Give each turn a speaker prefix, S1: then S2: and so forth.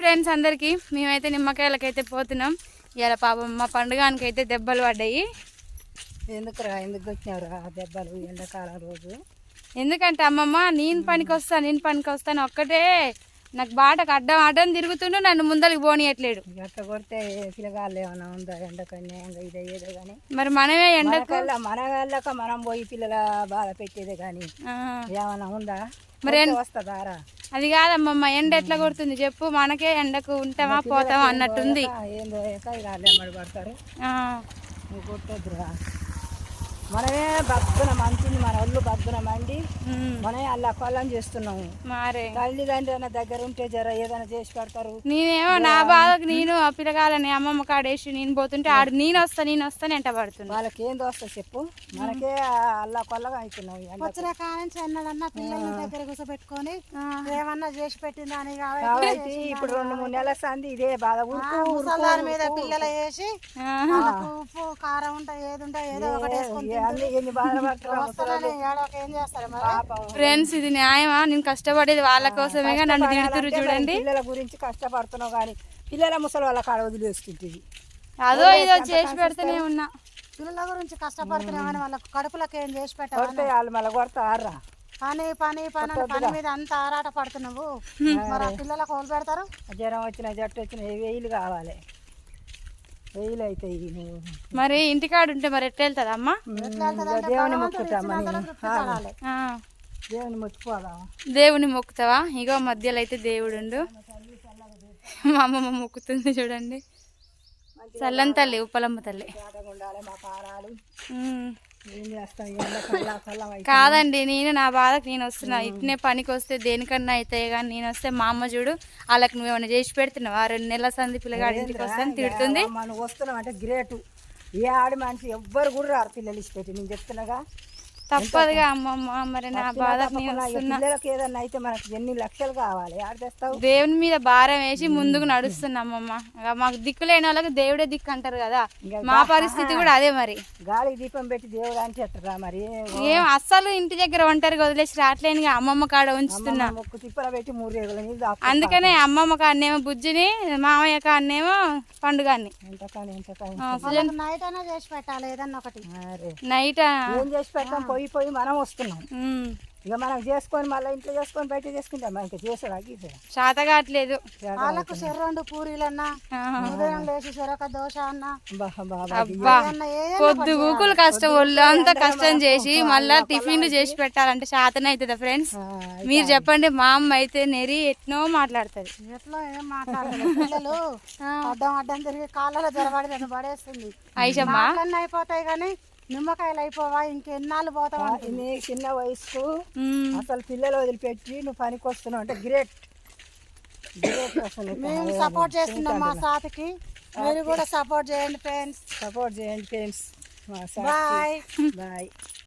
S1: Friends అందరికి మేమైతే నిమ్మకాయలకైతే పోతున్నాం. ఇవాళ పాపం మా పండుగానికి అయితే దెబ్బలు పడ్డాయి.
S2: ఎందుకు వచ్చినావురా దెబ్బలు ఎండాకాలం రోజు?
S1: ఎందుకంటే అమ్మమ్మ నేను పనికి వస్తాను ఒక్కటే నాకు బాటకు అడ్డం తిరుగుతుండు, నన్ను ముందరికి పోనీయట్లేడు.
S2: అట్లా కొడితే పిల్లగాళ్ళు ఏమైనా ఉందా ఎండకన్నా ఇదే ఏదో కానీ
S1: మరి మనమే ఎండకు
S2: మన వాళ్ళక మనం పోయి పిల్లల బాధ పెట్టేదే కానీ ఏమైనా ఉందా?
S1: మరి
S2: వస్తుందారా?
S1: అది కాదమ్మమ్మ, ఎండ ఎట్లా కొడుతుంది చెప్పు, మనకే ఎండకు ఉంటామా పోతామా అన్నట్టుంది.
S2: ఏందో వాళ్ళు ఎమ్మడి పడతారు, నువ్వు కొట్టద్దురా. మనమే బగ్గున మంచింది, మన ఒళ్ళు బగ్గున మండి మనమే అలా కొల్లం చేస్తున్నాము.
S1: మారే
S2: తల్లిదండ్రుల దగ్గర ఉంటే జర ఏదైనా చేసి పెడతారు.
S1: నేనేమో నా బాధకు నేను ఆ పిల్లగాలని అమ్మమ్మ కాడేసి నేను పోతుంటే ఆడు నేను వస్తాను ఎంట పడుతుంది.
S2: వాళ్ళకి ఏం దోస్తా చెప్పు, మనకే అల్లా కొల్లగా అవుతున్నాం.
S3: వచ్చిన కానించి అన్నదన్నా పిల్లల దగ్గర కూర్చోబెట్టుకొని ఏమన్నా చేసి పెట్టిందా అని
S2: కాబట్టి ఇప్పుడు 2-3 నెలల సంది ఇదే బాధ.
S3: ముసలారి మీద పిల్లలు వేసి ఉప్పు కారం ఉంటాయి, ఏది ఉంటాయి ఏదో ఒకటి వేసుకుంటారు.
S1: ఫ్రెండ్స్ ఇది న్యాయమా? నేను కష్టపడేది వాళ్ళ కోసమేగా నన్ను తిడుతురు చూడండి.
S2: పిల్లల గురించి కష్టపడుతున్నావు కానీ పిల్లల ముసలి వాళ్ళ కాడ వదిలేస్తుంటుంది.
S1: అదో ఇదో చేసి పెడుతూనే ఉన్నా.
S3: పిల్లల గురించి కష్టపడుతున్నామని వాళ్ళకి కడుపులకు ఏం చేసి పెట్టాలి?
S2: వాళ్ళు మళ్ళీ కొడతారా?
S3: పని మీద అంత ఆరాట పడుతున్నావు, మరి పిల్లలకు కోలు పెడతారు.
S2: జ్వరం వచ్చిన జట్టు వచ్చిన వేలు కావాలి, వేలు అవుతాయి.
S1: మరి ఇంటికాడు ఉంటే మరి ఎట్లా వెళ్తుంది అమ్మ?
S2: దేవుని మొక్కుతామా? దేవుని మొక్కుకోదా?
S1: దేవుని మొక్కుతావా? ఇగో మధ్యలో అయితే దేవుడు మా అమ్మమ్మ మొక్కుతుంది చూడండి. చల్లని తల్లి, ఉప్పలమ్మ తల్లి. కాదండి, నేను నా బాధకు నేను వస్తున్నా. ఇట్నే పనికి వస్తే దేనికన్నా అవుతాయి కానీ నేను వస్తే మా అమ్మ చూడు వాళ్ళకి నువ్వేమైనా చేసి పెడుతున్నావు. 2 నెలల సంది పిల్లగాడి ఇంటికి వస్తాను తిడుతుంది.
S2: మనం వస్తున్నాం అంటే గ్రేటు. ఏ ఆడి మనిషి ఎవ్వరు కూడా రారు పిల్లలు ఇచ్చిపెట్టి, నేను చెప్తున్నాగా.
S1: తప్పదుగా అమ్మమ్మ, మరి నా బాధకు నేను వస్తున్నా.
S2: పిల్లలకి ఏదన్నా అయితే మనకి ఎన్ని లక్షలు కావాలి, ఆడ తెస్తావు?
S1: దేవుని మీద భారం వేసి ముందుకు నడుస్తున్నా అమ్మమ్మ. మాకు దిక్కు లేని వాళ్ళకి దేవుడే దిక్కు అంటారు కదా, మా పరిస్థితి కూడా అదే. మరి
S2: గాలికి దీపం పెట్టి దేవుడు అని చెప్తారా? మరి
S1: ఏం అస్సలు ఇంటి దగ్గర ఒంటరిగా వదిలేసి రావట్లేనుగా, అమ్మమ్మ కాడ ఉంచుతున్నా.
S2: ముక్కు తిప్పల పెట్టి 3 రేగుల నీళ్ళు.
S1: అందుకనే అమ్మమ్మ కాడనేమో బుజ్జిని, మామయ్య కాడనేమో పండుగాన్ని.
S3: నైట్ అయినా చేసి పెట్టాలి ఏదన్నా ఒకటి.
S1: నైట్
S2: ఏం చేసి పెట్టాం? పోయి మనం వస్తున్నాం. ఇక మనం చేసుకొని మళ్ళీ ఇంట్లో చేసుకొని బయట చేసుకుంటాం. ఇంకా చేసాడు గీసాడు
S1: శాత కావట్లేదు.
S3: వాళ్ళకు 2 పూరీలన్నా, ఉదయం లేచి చెరొక దోశ అన్నా.
S1: అబ్బా పొద్దు గూకులు కష్టం, ఒళ్ళు అంతా కష్టం చేసి మళ్ళా టిఫిన్లు చేసి పెట్టాలంటే శాతన అవుతుందా ఫ్రెండ్స్? మీరు చెప్పండి. మా అమ్మ అయితే నెరి ఎట్నో మాట్లాడుతుంది.
S3: ఎట్లా ఏం మాట్లాడలేదు, పిల్లలు అడ్డం తిరిగి కాళ్ళలో జరబడి నన్ను పడేస్తుంది.
S1: ఐషమ్మ
S3: అయిపోతాయి కానీ నిమ్మకాయలు అయిపోవా, ఇంకెన్నాళ్ళు పోతావా?
S2: నీ చిన్న వయసుకు అసలు పిల్లలు వదిలిపెట్టి నువ్వు పనికి వస్తున్నావు అంటే గ్రేట్.
S3: మేము సపోర్ట్ చేస్తున్నాం మా సాతికి, మీరు కూడా సపోర్ట్ చేయండి ఫ్రెండ్స్.
S2: Bye bye.